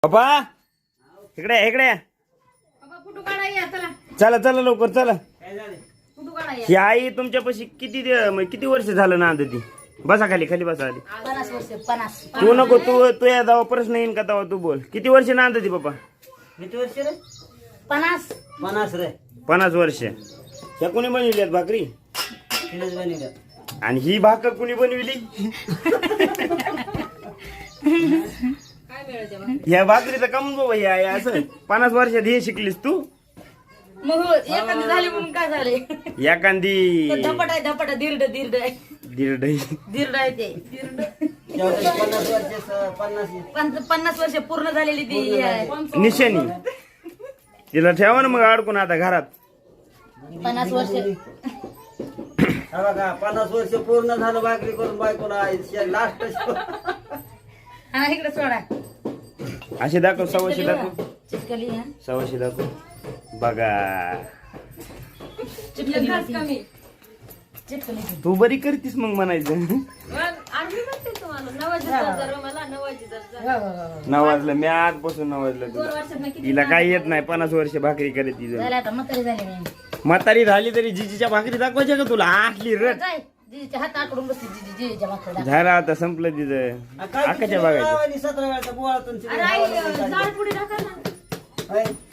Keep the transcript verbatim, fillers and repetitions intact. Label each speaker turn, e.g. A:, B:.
A: बाबा इकडे या, इकडे या. चला चला लवकर चला. ही आई तुमच्यापाशी किती दि- म्हणजे किती वर्ष झालं ना ती? बसा खाली खाली बसा आधी.
B: पन्नास वर्ष पन्नास
A: तू नको तू तू या जावा प्रश्न येईन का तेव्हा तू बोल. किती वर्ष नांदती बाबा?
C: किती वर्ष रे?
B: पन्नास
C: पन्नास रे.
A: पन्नास वर्ष. ह्या कोणी बनविल्यात भाकरी?
C: तिनेच बनवल्या.
A: आणि ही भाकर कुणी बनविली? ह्या भाकरीचं कमून बाबा हे आहे असं पन्नास वर्षात हे शिकलीस तू?
B: मग हो, एखादी झाली म्हणून काय झाले?
A: एखादी
B: धपट आहे धपट आहे, दीर्ड दीर्ड आहे
A: दीड
B: दीर्ड आहे ते दीर्ड.
C: तेवढं पन्नास वर्ष स- पन्नास
B: पन्नास पन्नास वर्ष पूर्ण झालेली ती आहे.
A: निशाणी तिला ठेवा ना मग अडकून आता घरात.
B: पन्नास वर्ष
C: हा बघा पन्नास वर्ष पूर्ण झालं भाकरी करून बायकोला लास्ट.
B: हा इकडे सोडा.
A: असे दाखव सव्वाशे दाखव
B: चिटकली हा
A: सव्वाशे दाखव. बघा
B: चिटकली होती. चिटकली होती.
A: तू बरी करतीस मग म्हणायचं.
B: हो, हो, हो.
A: नवाजलं मी आजपासून नवाजलं तुला. तिला काही येत नाही पन्नास वर्ष भाकरी करत तिचं.
B: झालं आता म्हातारी झाली मी.
A: म्हातारी झाली तरी जिजीच्या भाकरी दाखवायच्या का तुला? आटली रट
B: जाय जिजीच्या हात आकडून बसली जिजी जिजीच्या भाकरी.
A: झालं आता संपलं तिचं. आकाच्या बघायचं
C: सतरा वेळाचा बोळातून
B: अरे आई, जाळ पुढे टाका ना.